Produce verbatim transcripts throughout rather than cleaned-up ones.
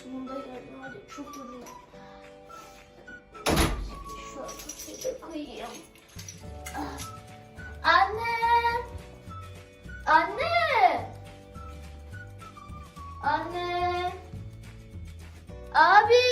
Sonunda geldim. Hadi çok yoruldum. Şöyle koyayım. Anne! Anne! Anne! Abi!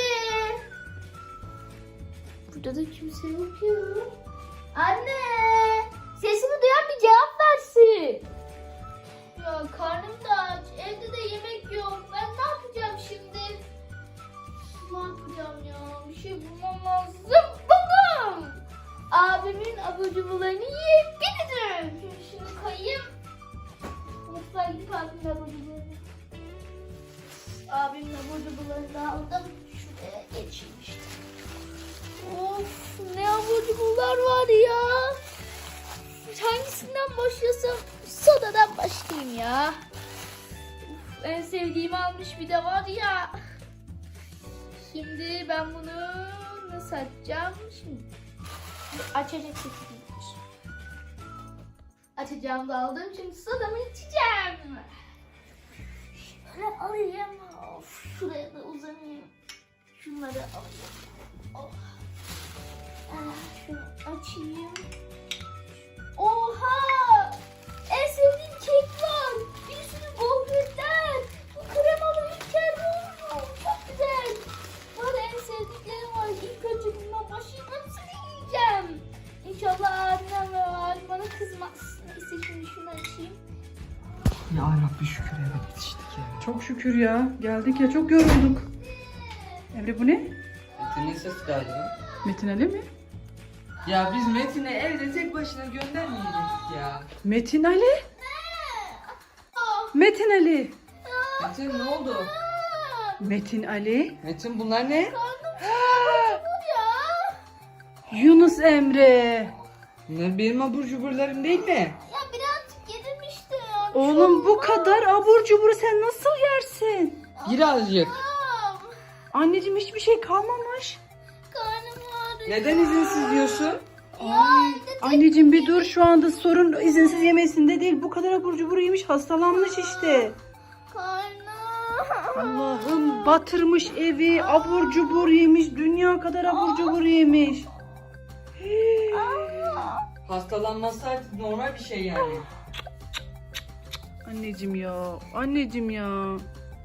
Burada da kimse yok ya. Anne! Sesimi duyan bir cevap versin. Ya karnım da aç. Evde de yemek yok. Ben ne yapacağım şimdi? Ne yapacağım ya? Bir şey bulmam lazım. Buldum! Abimin abur cuburlarını yiyip gideceğim. Şimdi şunu koyayım. Mutfağa gidip abimin abur cuburlarını. Abimin abur cuburlarını aldım. Şuraya geçeyim işte. Of, ne abur cuburlar var ya. Hangisinden başlasam? Sodadan başlayayım ya. Uf, en sevdiğimi almış bir de var ya. Şimdi ben bunu nasıl açacağım? Şimdi açacak şekilde. Açacağım da aldım. Şimdi sodamı içeceğim. Şöyle alayım. Of, şuraya da uzanayım. Şunları alayım. Oh. Ah, şunu açayım. Oha! En sevdiğim kek var. Bir sürü gofretler. Bu kremalı ülker oldu. Çok güzel. Var en sevdiklerim var. İlk önce bundan başlayıp hepsini yiyeceğim. İnşallah annem ve abim bana kızmaz. Neyse şimdi şunu açayım. Ya Rabbi şükür eve yetiştik ya. Çok şükür ya. Geldik ya çok yorulduk. Emre bu ne? Metin'in sesi galiba. Metin Ali mi? Ya biz Metin'i evde tek başına göndermeyecektik ya. Metin Ali? Metin Ali. Metin ne oldu? Metin Ali. Metin bunlar ne? Yunus Emre. Bunlar benim abur cuburlarım değil mi? Ya birazcık yedim işte ya. Oğlum bu kadar abur cuburu sen nasıl yersin? Birazcık. Anneciğim hiçbir şey kalmamış. Karnım ağrıyor. Neden izinsiz diyorsun? Ay, anneciğim bir dur, şu anda sorun izinsiz yemesinde değil. Bu kadar abur cubur yemiş, hastalanmış işte. Karnım. Allah'ım, batırmış evi, abur cubur yemiş, dünya kadar abur cubur yemiş. Hastalanması artık normal bir şey yani. Anneciğim ya, anneciğim ya.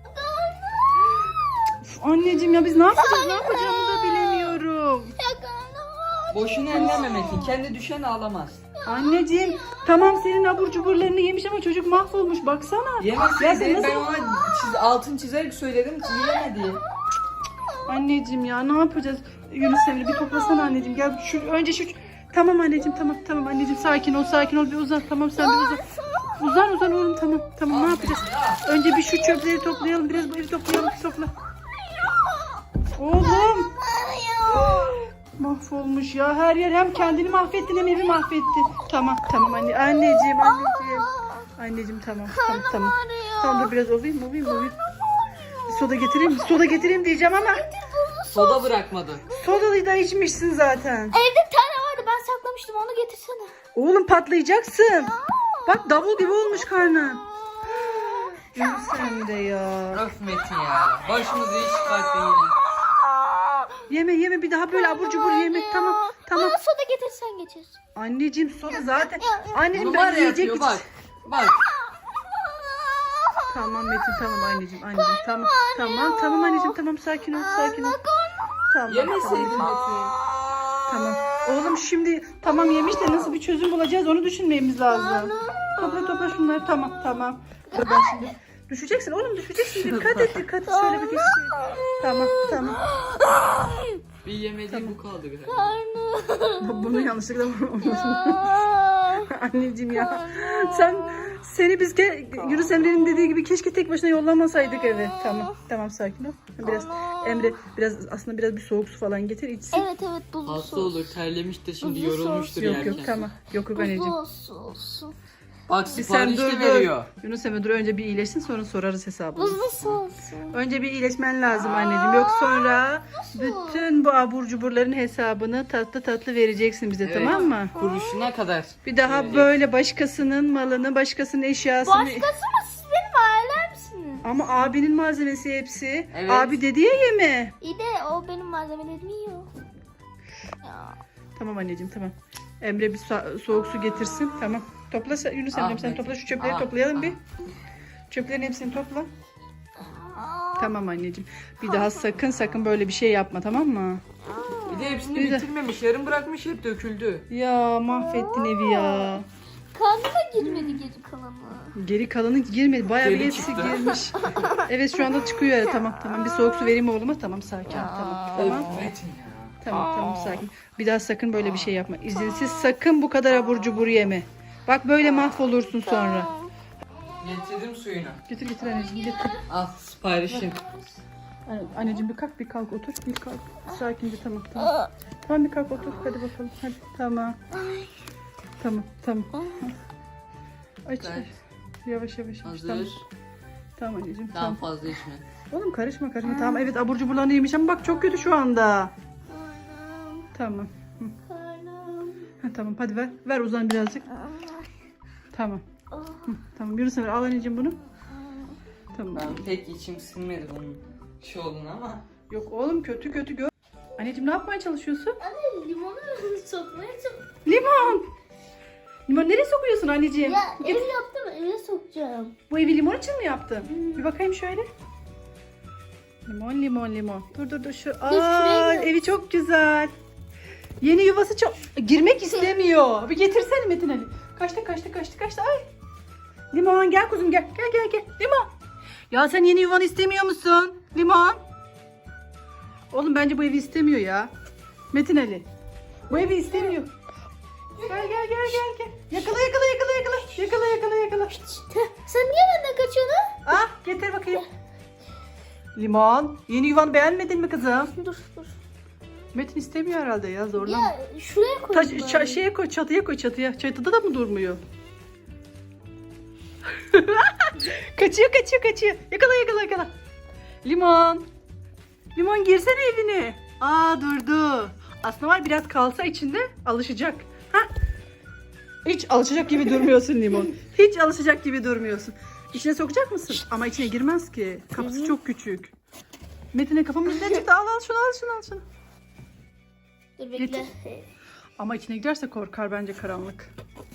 Uf, anneciğim ya biz ne yapacağız, ne yapacağımızı da bilemiyorum. Ya karnım ağrıyor. Boşuna elleme Metin. Kendi düşen ağlamaz. Anneciğim tamam, senin abur cuburlarını yemiş ama çocuk mahvolmuş, baksana. Ya sen Yemeseydi nasıl- ben ona çiz, altın çizerek söyledim ki yemedi. Anneciğim ya ne yapacağız? Yunus Emre bir toplasana anneciğim. Gel şu önce şu. Tamam anneciğim, tamam tamam anneciğim, sakin ol sakin ol, bir uzan, tamam sen bir uzan. Uzan uzan oğlum, tamam tamam, ne yapacağız? Önce bir şu çöpleri toplayalım, biraz bu evi toplayalım, topla. Oğlum. Mahvolmuş ya her yer, hem kendini mahvettin hem evi mahvettin. Tamam tamam anne, anneciğim anneciğim. Anneciğim tamam tamam tamam. Tamam dur biraz ovayım ovayım ovayım. Soda getireyim mi? Soda getireyim diyeceğim ama. Soda bırakmadı. Sodayı da içmişsin zaten. Evde bir tane vardı, ben saklamıştım, onu getirsene. Oğlum patlayacaksın. Bak davul gibi olmuş karnın. Yunus sen de ya. Öf Metin ya. Başımızı hiç çıkarttı yine. Yeme yeme bir daha böyle abur cubur yemek, tamam tamam. Bana soda getirsen geçer. Anneciğim soda zaten. Anneciğim Bunu ben var ya yiyecek yapıyor bir- bak. Bak. Tamam Metin, tamam anneciğim anneciğim tamam. Tamam tamam anneciğim, tamam sakin ol sakin ol. Tamam. Yemeseydin tamam. Metin. Tamam. Oğlum şimdi tamam yemiş de nasıl bir çözüm bulacağız onu düşünmemiz lazım. Topla topla şunları, tamam tamam. Dur ben şimdi. Düşeceksin oğlum, düşeceksin. Dikkat et dikkat et. Şöyle bir geç. Tamam tamam. Bir yemediği bu kaldı galiba. Karnım. Bunu yanlışlıkla vurmamışsın. Ya. Anneciğim ya. Sen seni biz ke Yunus Emre'nin dediği gibi keşke tek başına yollamasaydık eve. Tamam tamam sakin ol. Biraz Emre biraz aslında biraz bir soğuk su falan getir içsin. Evet evet, buzlu Hasta su. olur, terlemiştir şimdi, Buzlu yorulmuştur Yok yerken. yok tamam. Yok yok anneciğim. Buzlu su olsun. Bak Bir sen sipariş dur de dur. veriyor. Yunus Emre dur, önce bir iyileşsin sonra sorarız hesabını. Buzlu su olsun. Önce bir iyileşmen lazım anneciğim. Yok sonra bütün bu abur cuburların hesabını tatlı tatlı vereceksin bize, Evet. tamam mı? Kuruşuna kadar. Bir daha verecek. böyle başkasının malını, başkasının eşyasını... Başkası mı? Siz benim ailemsiniz. Ama abinin malzemesi hepsi. Evet. Abi dedi ya yeme. İyi de o benim malzemelerimi yiyor. Ya. Tamam anneciğim tamam. Emre bir so- soğuk su getirsin. Tamam. Topla sen- Yunus Emre'm sen Ahmet. topla şu çöpleri Ah, toplayalım ah. bir. Çöplerin hepsini topla. Tamam anneciğim. Bir daha sakın sakın böyle bir şey yapma tamam mı? Bir de hepsini Güzel. bitirmemiş. Yarım bırakmış, hep döküldü. Ya mahvettin evi ya. Karnıma girmedi geri kalanı. Geri kalanı girmedi. Bayağı bir Geri hepsi çıktı. girmiş. Evet şu anda çıkıyor ya. Tamam tamam. Bir soğuk su vereyim oğluma. Tamam sakin. Tamam. Tamam. Of, Metin ya. Tamam tamam sakin. Bir daha sakın böyle bir şey yapma. İzinsiz sakın bu kadar abur cubur yeme. Bak böyle mahvolursun sonra. Getirdim suyunu. Getir getir anneciğim getir. Al siparişin. Anne- Anneciğim bir kalk bir kalk otur. Bir kalk. Sakince tamam tamam. Tamam bir kalk otur. Hadi bakalım. Hadi tamam. Tamam tamam. Aç Ver. aç. Yavaş yavaş. yavaş. Hazır. Tamam. Tamam anneciğim Daha tamam. fazla içme. Oğlum karışma karışma. Tamam evet abur cuburlarını yemiş ama bak çok kötü şu anda. Karnım, Tamam. karnım. Ha, tamam hadi ver. Ver uzan birazcık. Tamam. Hı, tamam Yunus Emre al anneciğim bunu. Tamam. Ben pek içim sinmedi bunun şey olduğunu ama. Yok oğlum kötü kötü gör. Anneciğim ne yapmaya çalışıyorsun? Anne limonu sokmaya çalışıyorum. Limon. Limon nereye sokuyorsun anneciğim? Ya Git. ev yaptım eve sokacağım. Bu evi limon için mi yaptın? Bir bakayım şöyle. Limon limon limon. Dur dur dur şu. Aa, şuraya gel. evi çok güzel. Yeni yuvası çok girmek istemiyor. Bir getirsene Metin Ali. Kaçtı kaçtı kaçtı kaçtı. Ay. Limon gel kuzum gel. Gel gel gel. Limon. Ya sen yeni yuvanı istemiyor musun? Limon. Oğlum bence bu evi istemiyor ya. Metin Ali. Bu evi istemiyor. Gel gel gel gel gel. Yakala yakala yakala yakala. Yakala yakala yakala. Sen niye benden kaçıyorsun? Ah getir bakayım. Limon. Yeni yuvanı beğenmedin mi kızım? Dur dur. Metin istemiyor herhalde ya zorlama. Ya şuraya koy. Taş, bari. ça- şeye koy çatıya koy çatıya. Çatıda da mı durmuyor? kaçıyor kaçıyor kaçıyor. Yakala yakala yakala. Limon. Limon girsene evine. Aa durdu. Aslında var biraz kalsa içinde alışacak. Ha? Hiç alışacak gibi durmuyorsun Limon. Hiç alışacak gibi durmuyorsun. İçine sokacak mısın? Ama içine girmez ki. Kapısı çok küçük. Metin'e kafamın üstüne çıktı. Al al şunu al şunu al şunu. Dur bekle. Getir. Ama içine giderse korkar bence karanlık.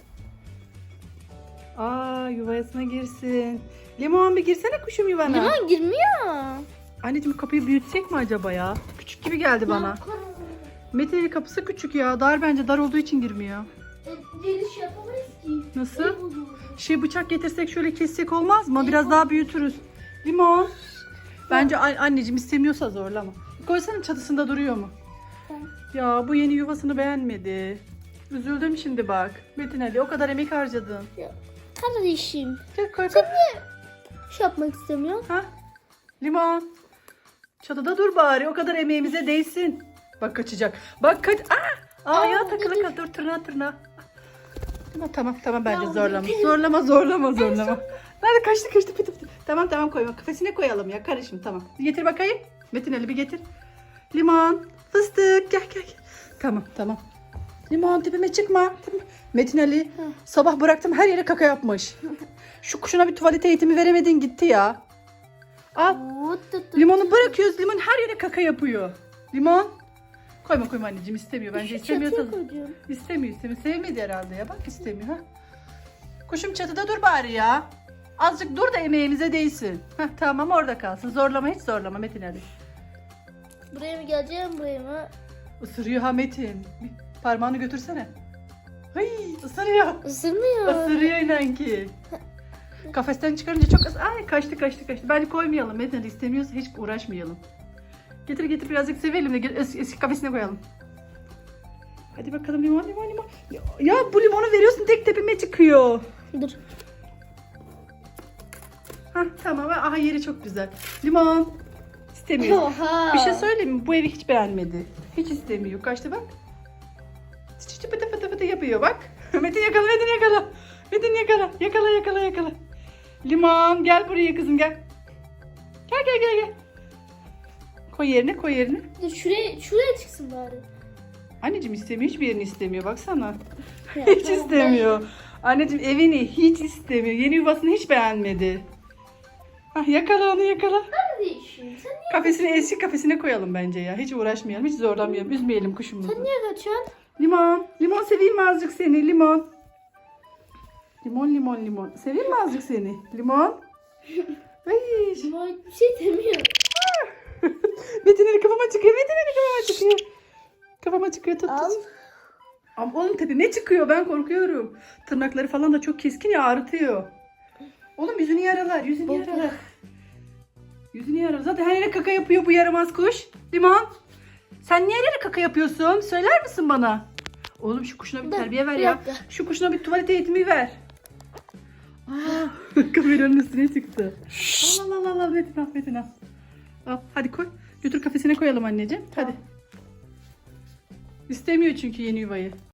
Aa yuvasına girsin. Limon bir girsene kuşum yuvana. Limon girmiyor. Anneciğim kapıyı büyütsek mi acaba ya? Küçük gibi geldi bana. Metin Ali kapısı küçük ya. Dar bence dar olduğu için girmiyor. Giriş yapamayız ki. Nasıl? Ev olur. Şey bıçak getirsek şöyle kessek olmaz mı? Biraz daha büyütürüz. Limon. Bence an- anneciğim istemiyorsa zorlama. Koysana çatısında duruyor mu? Tamam. Ya bu yeni yuvasını beğenmedi. Üzüldüm şimdi bak. Metin Ali o kadar emek harcadın. Kardeşim. Gel koy. Sen niye şey yapmak istemiyorsun? Ha? Limon. Çatıda dur bari. O kadar emeğimize değsin. Bak kaçacak. Bak kaç. Aa! Aa ya Aa, takılı dur. kal. Dur tırnağı tırnağı. Tamam tamam tamam bence Ya, zorlama. benim- Zorlama zorlama zorlama. Nerede kaçtı kaçtı pıtı pıtı. Tamam tamam koyma. Kafesine koyalım ya. Karışım tamam. Getir bakayım. Metin Ali bir getir. Limon. Fıstık gel gel. gel. Tamam tamam. Limon tepeme çıkma. Metin Ali sabah bıraktım her yere kaka yapmış. Şu kuşuna bir tuvalet eğitimi veremedin gitti ya. Al. Tut, tut, tut. Limonu bırakıyoruz. Limon her yere kaka yapıyor. Limon. Koyma koyma anneciğim istemiyor. Bence Şu istemiyorsa. çatıya koyacağım. İstemiyor istemiyor. Sevmedi herhalde ya. Bak istemiyor ha. Kuşum çatıda dur bari ya. Azıcık dur da emeğimize değsin. Heh, tamam orada kalsın. Zorlama hiç zorlama Metin Ali. Buraya mı geleceğim buraya mı? Isırıyor ha Metin. Bir parmağını götürsene. Ay ısırıyor. Isırmıyor. Isırıyor inan ki. Kafesten çıkarınca çok ıs... Ay kaçtı kaçtı kaçtı. Bence koymayalım. Metin Ali istemiyorsa hiç uğraşmayalım. Getir getir birazcık sevelim de gel- es- eski kafesine koyalım. Hadi bakalım limon limon limon. Ya, ya bu limonu veriyorsun tek tepime çıkıyor. Dur. Hah tamam aha yeri çok güzel. Limon. İstemiyor. Oha. Bir şey söyleyeyim mi? Bu evi hiç beğenmedi. Hiç istemiyor. Kaçtı bak. Çıt çıt pıtı pıtı pıtı yapıyor bak. Metin yakala Metin yakala. Metin yakala. Yakala yakala yakala. Limon gel buraya kızım gel. Gel gel gel gel. Koy yerine koy yerine. Dur şuraya, şuraya çıksın bari. Anneciğim istemiyor. Hiçbir yerini istemiyor. Baksana. Ya, Hiç tamam, istemiyor. Anneciğim evini hiç istemiyor. Yeni yuvasını hiç beğenmedi. Ah, yakala onu yakala. Ben de işim. Sen niye, Kafesine eski kafesine koyalım bence ya. Hiç uğraşmayalım. Hiç zorlamayalım. Üzmeyelim kuşumuzu. sen niye kaçıyorsun? Limon. Limon seveyim mi azıcık seni? Limon. Limon limon limon. Seveyim mi azıcık seni? Limon. Ay. Ama bir şey demiyor. Metinleri kafama çıkıyor. Metinleri kafama çıkıyor. Kafama çıkıyor. Tut Al. tut. Ama oğlum tepeme çıkıyor. Ben korkuyorum. Tırnakları falan da çok keskin ya, ağrıtıyor. Oğlum yüzünü yaralar. Yüzünü Baba. yaralar. Yüzünü yaralar. Zaten her yere kaka yapıyor bu yaramaz kuş. Limon. Sen niye her yere kaka yapıyorsun? Söyler misin bana? Oğlum şu kuşuna bir Dur, terbiye ver bir ya. dakika. Şu kuşuna bir tuvalet eğitimi ver. Aa, kameranın üstüne çıktı. Al al al al Metin al Metin al. Al hadi koy. Götür kafesine koyalım anneciğim. Hadi. İstemiyor çünkü yeni yuvayı.